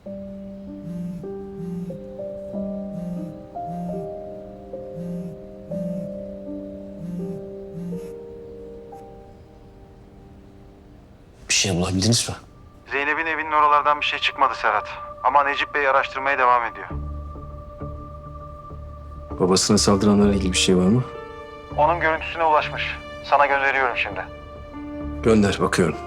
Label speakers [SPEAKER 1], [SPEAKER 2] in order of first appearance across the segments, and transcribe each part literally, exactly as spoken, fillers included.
[SPEAKER 1] Bir şey bulabildiniz mi?
[SPEAKER 2] Zeynep'in evinin oralardan bir şey çıkmadı Serhat. Ama Necip Bey araştırmaya devam ediyor.
[SPEAKER 1] Babasına saldıranlarla ilgili bir şey var mı?
[SPEAKER 2] Onun görüntüsüne ulaşmış. Sana gönderiyorum şimdi.
[SPEAKER 1] Gönder, bakıyorum.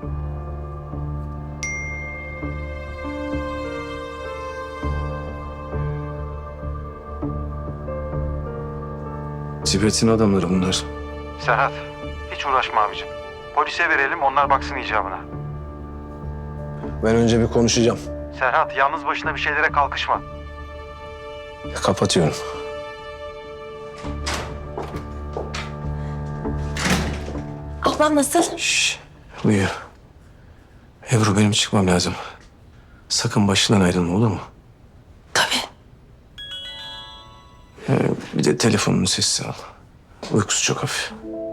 [SPEAKER 1] Tibet'in adamları bunlar.
[SPEAKER 2] Serhat, hiç uğraşma abicim. Polise verelim, onlar baksın icabına.
[SPEAKER 1] Ben önce bir konuşacağım.
[SPEAKER 2] Serhat, yalnız başına bir şeylere kalkışma.
[SPEAKER 1] Kapatıyorum.
[SPEAKER 3] Ablam nasıl?
[SPEAKER 1] Şşş, uyuyor. Ebru, benim çıkmam lazım. Sakın başından ayrılma, olur mu?
[SPEAKER 3] Tabii.
[SPEAKER 1] Ee, bir de telefonunu sessiz al. Uykusu çok hafif.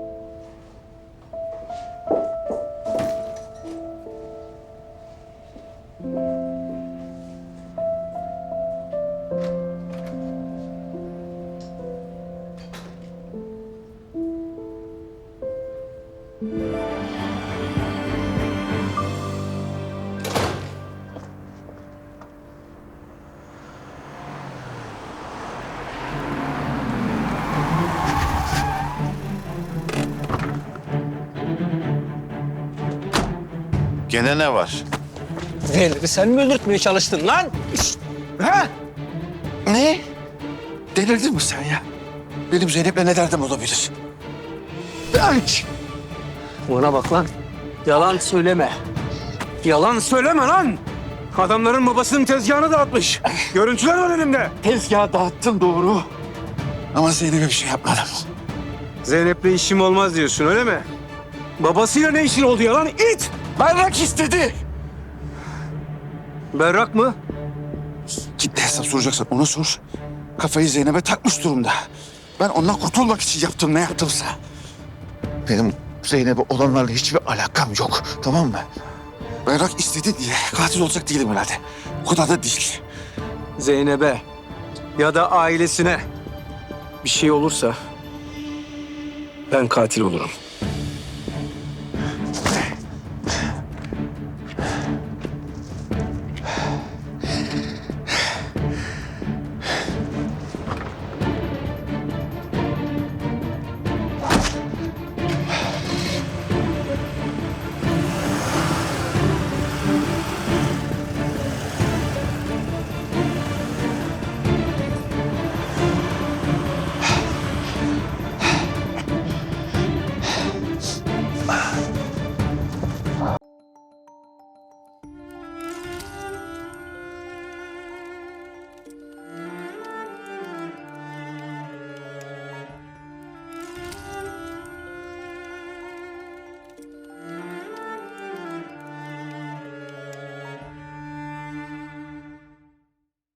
[SPEAKER 4] Gene ne var?
[SPEAKER 5] Zeynep'i sen mi öldürtmeye çalıştın lan?
[SPEAKER 4] Ha? Ne? Delirdin mi sen ya? Benim Zeynep'le ne derdim olabilir? Aç!
[SPEAKER 5] Bana bak lan. Yalan söyleme. Yalan söyleme lan. Adamların babasının tezgahını dağıtmış. Görüntüler var elimde.
[SPEAKER 4] Tezgahı dağıttın doğru. Ama Zeynep'e bir şey yapmadım.
[SPEAKER 5] Zeynep'le işim olmaz diyorsun öyle mi? Babasıyla ne işin oldu ya lan? İt!
[SPEAKER 4] Berrak istedi.
[SPEAKER 5] Berrak mı?
[SPEAKER 4] Git de hesap soracaksan ona sor. Kafayı Zeynep'e takmış durumda. Ben ondan kurtulmak için yaptım ne yaptımsa. Benim Zeynep'e olanlarla hiçbir alakam yok. Tamam mı? Berrak istedi diye katil olacak değilim herhalde. O kadar da değil.
[SPEAKER 5] Zeynep'e ya da ailesine bir şey olursa ben katil olurum.